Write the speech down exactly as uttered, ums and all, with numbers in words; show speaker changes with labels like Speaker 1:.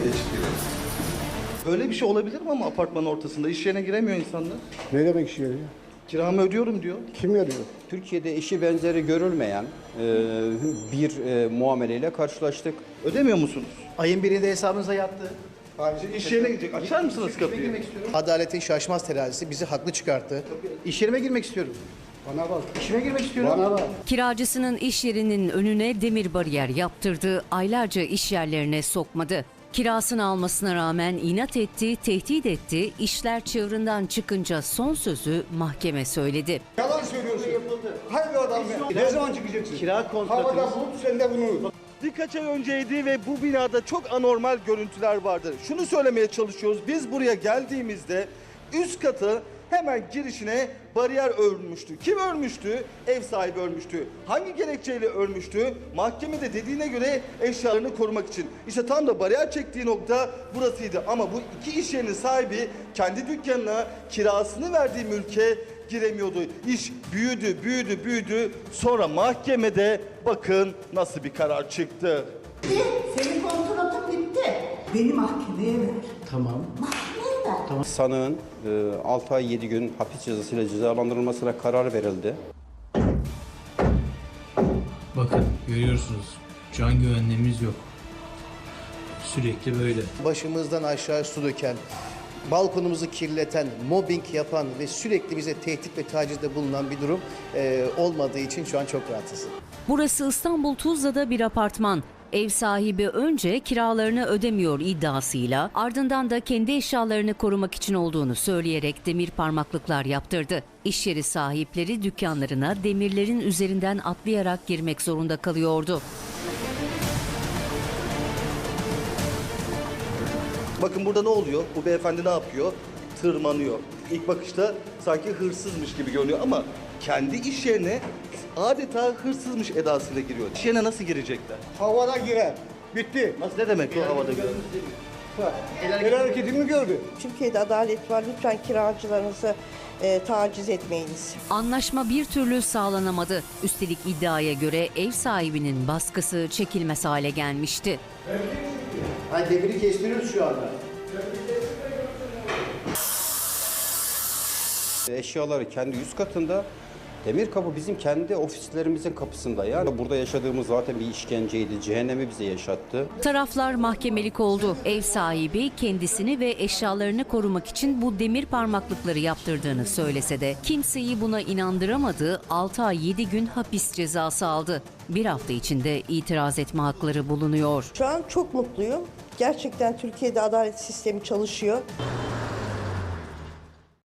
Speaker 1: Değişik geliyor. Böyle bir şey olabilir mi ama apartmanın ortasında? İş yerine giremiyor insanlar.
Speaker 2: Ne demek iş yeri ya?
Speaker 1: Kiramı ödüyorum diyor.
Speaker 2: Kim veriyor?
Speaker 3: Türkiye'de eşi benzeri görülmeyen e, bir e, muameleyle karşılaştık.
Speaker 1: Ödemiyor musunuz?
Speaker 4: Ayın birinde hesabınıza yattı.
Speaker 1: İş yerine gidecek. Açar mısınız kapıyı?
Speaker 4: Adaletin şaşmaz terazisi bizi haklı çıkarttı. İş yerime girmek istiyorum.
Speaker 2: Bana bak.
Speaker 4: İşime girmek istiyorum.
Speaker 2: Bana bak.
Speaker 5: Kiracısının iş yerinin önüne demir bariyer yaptırdı, aylarca iş yerlerine sokmadı. Kirasını almasına rağmen inat etti, tehdit etti, işler çığırından çıkınca son sözü mahkeme söyledi.
Speaker 2: Yalan söylüyorsun. Hangi adam ya? Ne zaman çıkacaksın?
Speaker 4: Kira kontratınız.
Speaker 2: Havada bulup sen de bunu.
Speaker 1: Birkaç ay önceydi ve bu binada çok anormal görüntüler vardı. Şunu söylemeye çalışıyoruz. Biz buraya geldiğimizde üst katı hemen girişine bariyer örmüştü. Kim örmüştü? Ev sahibi örmüştü. Hangi gerekçeyle örmüştü? Mahkemede dediğine göre eşyalarını korumak için. İşte tam da bariyer çektiği nokta burasıydı. Ama bu iki iş yerinin sahibi kendi dükkanına kirasını verdiği mülke giremiyordu. İş büyüdü, büyüdü, büyüdü. Sonra mahkemede bakın nasıl bir karar çıktı.
Speaker 6: Bitti. Senin kontratın bitti. Beni mahkemeye ver.
Speaker 4: Tamam.
Speaker 6: Mahkemeye ver.
Speaker 3: Sanığın e, altı ay yedi gün hapis cezasıyla cezalandırılmasına karar verildi.
Speaker 7: Bakın görüyorsunuz can güvenliğimiz yok. Sürekli böyle.
Speaker 4: Başımızdan aşağı su döken, balkonumuzu kirleten, mobbing yapan ve sürekli bize tehdit ve tacizde bulunan bir durum e, olmadığı için şu an çok rahatsız.
Speaker 5: Burası İstanbul Tuzla'da bir apartman. Ev sahibi önce kiralarını ödemiyor iddiasıyla, ardından da kendi eşyalarını korumak için olduğunu söyleyerek demir parmaklıklar yaptırdı. İş yeri sahipleri dükkanlarına demirlerin üzerinden atlayarak girmek zorunda kalıyordu.
Speaker 1: Bakın burada ne oluyor? Bu beyefendi ne yapıyor? Tırmanıyor. İlk bakışta sanki hırsızmış gibi görünüyor ama kendi iş yerine adeta hırsızmış edasıyla giriyor. İş yerine nasıl girecekler?
Speaker 2: Havada girer. Bitti.
Speaker 1: Nasıl ne demek o havada göre?
Speaker 2: El hareketimi gördü.
Speaker 6: Türkiye'de adalet var. Lütfen kiracılarınızı e, taciz etmeyiniz.
Speaker 5: Anlaşma bir türlü sağlanamadı. Üstelik iddiaya göre ev sahibinin baskısı çekilmez hale gelmişti.
Speaker 4: Hani demiri kestiriyoruz şu anda.
Speaker 3: Eşyaları kendi üst katında, demir kapı bizim kendi ofislerimizin kapısında. Yani burada yaşadığımız zaten bir işkenceydi, cehennemi bize yaşattı.
Speaker 5: Taraflar mahkemelik oldu. Ev sahibi kendisini ve eşyalarını korumak için bu demir parmaklıkları yaptırdığını söylese de kimseyi buna inandıramadı, altı ay yedi gün hapis cezası aldı. Bir hafta içinde itiraz etme hakları bulunuyor.
Speaker 6: Şu an çok mutluyum. Gerçekten Türkiye'de adalet sistemi çalışıyor.